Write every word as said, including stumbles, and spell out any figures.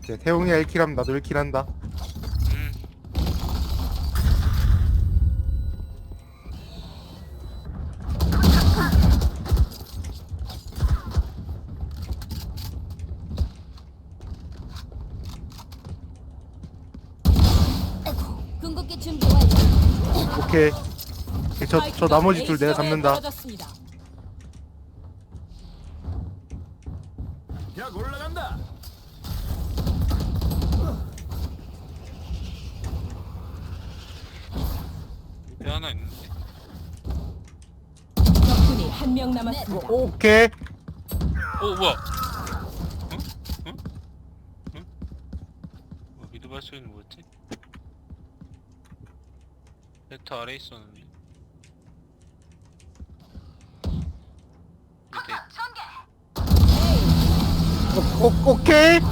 이제 태웅이가 일 킬하면 나도 일 킬한다. 음. 궁극기 준비 완료. 오케이. 저, 저 나머지 둘 내가 잡는다. 약 올라간다. 밑에 하나 있는데. 적군이 한 명 남았습니다. 오케이. 어 뭐야? 응? 응? 응? 뭐 미드 발소리는 뭐였지? 네트 아래 있었는데. 밑에 오, 오, 오케이.